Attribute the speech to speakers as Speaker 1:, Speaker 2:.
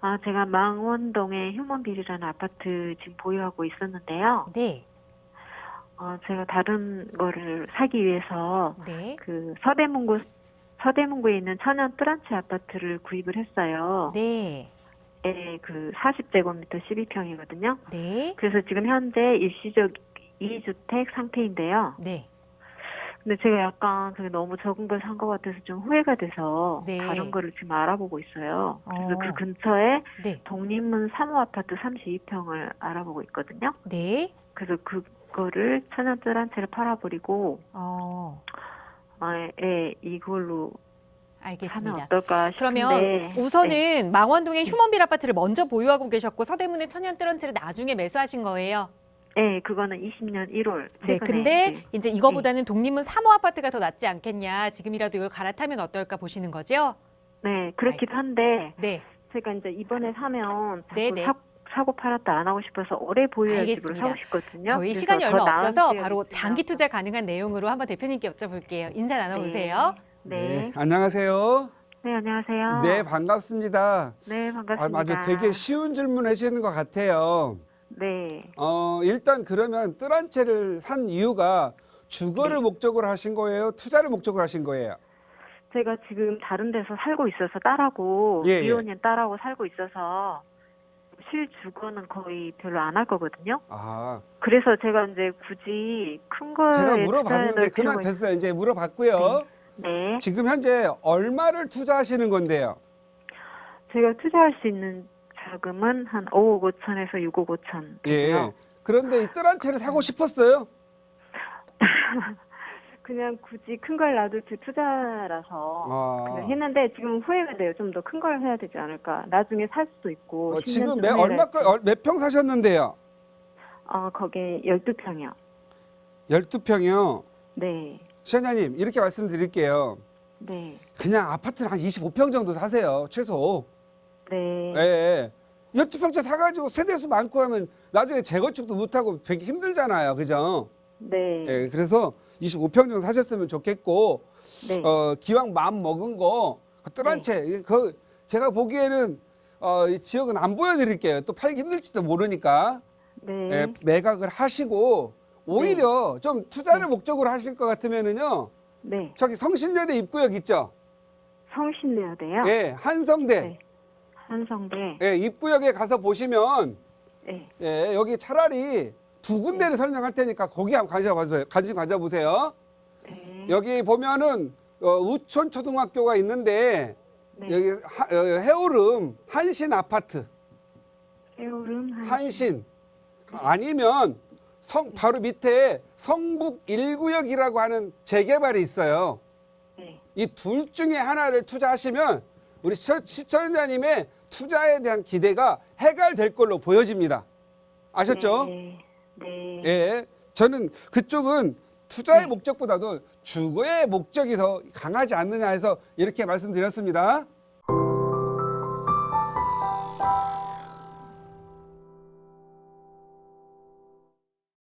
Speaker 1: 제가 망원동의 휴먼빌이라는 아파트 지금 보유하고 있었는데요.
Speaker 2: 네.
Speaker 1: 제가 다른 거를 사기 위해서
Speaker 2: 네.
Speaker 1: 그 서대문구에 있는 천연 뜰한채 아파트를 구입을 했어요.
Speaker 2: 네.
Speaker 1: 예, 그 40제곱미터 12평이거든요.
Speaker 2: 네.
Speaker 1: 그래서 지금 현재 일시적 2주택 상태인데요.
Speaker 2: 네.
Speaker 1: 근데 제가 약간 그게 너무 적은 걸 산 것 같아서 좀 후회가 돼서
Speaker 2: 네.
Speaker 1: 다른 거를 지금 알아보고 있어요. 그래서
Speaker 2: 어.
Speaker 1: 그 근처에
Speaker 2: 네.
Speaker 1: 독립문 3호 아파트 32평을 알아보고 있거든요.
Speaker 2: 네.
Speaker 1: 그래서 그거를 천연 뜰한채를 팔아버리고 이걸로 사면
Speaker 2: 알겠습니다.
Speaker 1: 어떨까 싶은데.
Speaker 2: 그러면 우선은
Speaker 1: 네.
Speaker 2: 망원동의 휴먼빌 아파트를 먼저 보유하고 계셨고 서대문의 천연 뜰런치를 나중에 매수하신 거예요.
Speaker 1: 네, 그거는 20년 1월
Speaker 2: 네,
Speaker 1: 최근에
Speaker 2: 근데 이제 이거보다는 독립문 3호 아파트가 더 낫지 않겠냐. 지금이라도 이걸 갈아타면 어떨까 보시는 거죠?
Speaker 1: 네, 그렇기도 한데
Speaker 2: 네.
Speaker 1: 제가 이제 이번에 사면 자꾸
Speaker 2: 네네.
Speaker 1: 사고 팔았다 안 하고 싶어서 오래 보유할 집으로
Speaker 2: 알겠습니다.
Speaker 1: 사고 싶거든요.
Speaker 2: 저희
Speaker 1: 그래서
Speaker 2: 시간이
Speaker 1: 더
Speaker 2: 얼마
Speaker 1: 나은
Speaker 2: 없어서
Speaker 1: 지역이
Speaker 2: 바로
Speaker 1: 있으면.
Speaker 2: 장기 투자 가능한 내용으로 한번 대표님께 여쭤볼게요. 인사 나눠보세요.
Speaker 1: 네.
Speaker 3: 안녕하세요.
Speaker 1: 네, 안녕하세요.
Speaker 3: 네, 반갑습니다.
Speaker 1: 네, 반갑습니다.
Speaker 3: 맞아, 되게 쉬운 질문 하시는 것 같아요.
Speaker 1: 네.
Speaker 3: 일단 그러면 뜰 한 채를 산 이유가 주거를
Speaker 1: 네.
Speaker 3: 목적으로 하신 거예요? 투자를 목적으로 하신 거예요?
Speaker 1: 제가 지금 다른 데서 살고 있어서 딸하고
Speaker 3: 예, 예.
Speaker 1: 이혼인 딸하고 살고 있어서 실주거는 거의 별로 안 할 거거든요.
Speaker 3: 아,
Speaker 1: 그래서 제가 이제 굳이 큰 거에
Speaker 3: 제가
Speaker 1: 투자해
Speaker 3: 물어봤는데
Speaker 1: 넣을
Speaker 3: 그만
Speaker 1: 필요가
Speaker 3: 됐어요. 이제 물어봤고요.
Speaker 1: 네.
Speaker 3: 지금 현재 얼마를 투자하시는 건데요?
Speaker 1: 제가 투자할 수 있는 자금은 한 5억 5천에서 6억 5천.
Speaker 3: 예. 그런데 이 뜰 한 채를 사고 싶었어요?
Speaker 1: 그냥 굳이 큰 걸 놔둘 때 투자라서
Speaker 3: 아.
Speaker 1: 그냥 했는데 지금 후회가 돼요. 좀 더 큰 걸 해야 되지 않을까. 나중에 살 수도 있고. 10년
Speaker 3: 지금
Speaker 1: 쯤 후회를
Speaker 3: 몇 평 사셨는데요?
Speaker 1: 거기 12평이요.
Speaker 3: 12평이요.
Speaker 1: 네.
Speaker 3: 시장님 이렇게 말씀드릴게요.
Speaker 1: 네.
Speaker 3: 그냥 아파트를 한 25평 정도 사세요. 최소.
Speaker 1: 네.
Speaker 3: 예. 12평째 사가지고 세대수 많고 하면 나중에 재건축도 못하고 되게 힘들잖아요. 그죠?
Speaker 1: 네.
Speaker 3: 예. 그래서 25평 정도 사셨으면 좋겠고,
Speaker 1: 네.
Speaker 3: 기왕 마음 먹은 거, 뜰 한 채, 제가 보기에는, 이 지역은 안 보여드릴게요. 또 팔기 힘들지도 모르니까.
Speaker 1: 네.
Speaker 3: 예, 매각을 하시고, 오히려 좀 투자를 목적으로 하실 것 같으면은요,
Speaker 1: 네.
Speaker 3: 저기 성신여대 입구역 있죠?
Speaker 1: 성신여대요?
Speaker 3: 예, 한성대.
Speaker 1: 네. 한성대.
Speaker 3: 예, 입구역에 가서 보시면,
Speaker 1: 네.
Speaker 3: 예, 여기 차라리 두 군데를 설명할 테니까 거기 한번 관심 가져보세요.
Speaker 1: 네.
Speaker 3: 여기 보면은 우촌 초등학교가 있는데
Speaker 1: 네.
Speaker 3: 여기 해오름 한신 아파트
Speaker 1: 해오름
Speaker 3: 한신 아니면 바로 밑에 성북 1구역이라고 하는 재개발이 있어요.
Speaker 1: 네.
Speaker 3: 이 둘 중에 하나를 투자하시면 우리 시청자님의 투자에 대한 기대가 해결될 걸로 보여집니다. 아셨죠?
Speaker 1: 네. 네.
Speaker 3: 예, 저는 그쪽은 투자의
Speaker 1: 네.
Speaker 3: 목적보다도 주거의 목적이 더 강하지 않느냐 해서 이렇게 말씀드렸습니다.